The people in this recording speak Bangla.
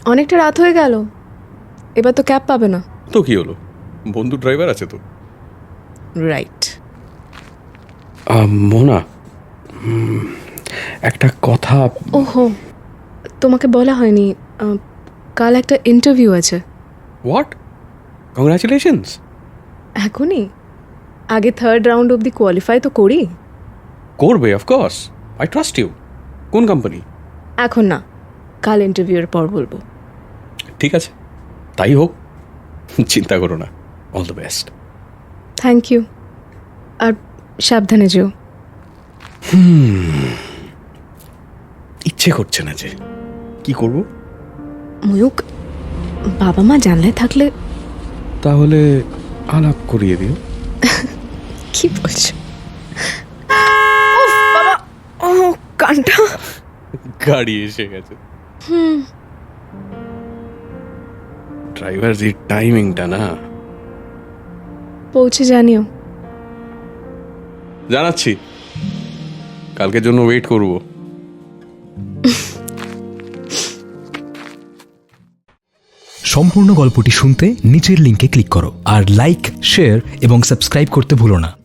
অনেকটা রাত হয়ে গেল, এবার তো ক্যাব পাবে না। তো কি হলো, বন্ধু ড্রাইভার আছে তো। রাইট। মোনা, একটা কথা। ওহো, তোমাকে বলা হয়নি, কাল একটা ইন্টারভিউ আছে। হোয়াট? কংগ্রাচুলেশনস। এখনই? আগে থার্ড রাউন্ড অবধি কোয়ালিফাই তো করি। করবে, অফকোর্স, আই ট্রাস্ট ইউ। কোন কোম্পানি? এখন না, কাল ইন্টারভিউয়ের পর বলবো। ঠিক আছে, তাই হোক, চিন্তা করো না। All the best. Thank you. আর সাবধানে যেও। ইচ্ছে করছে না যে, কি করব? ময়ূক, বাবা মা জানলে থাকলে। তাহলে আলাপ করিয়ে দিও। কি বলছো? উফ, বাবা, ও কানটা। গাড়ি এসে গেছে। ড্রাইভার যে টাইমিংটা না। পৌঁছে জানিও। জানাচ্ছি, কালকের জন্য ওয়েট করব। সম্পূর্ণ গল্পটি শুনতে নিচের লিঙ্কে ক্লিক করো আর লাইক, শেয়ার এবং সাবস্ক্রাইব করতে ভুলো না।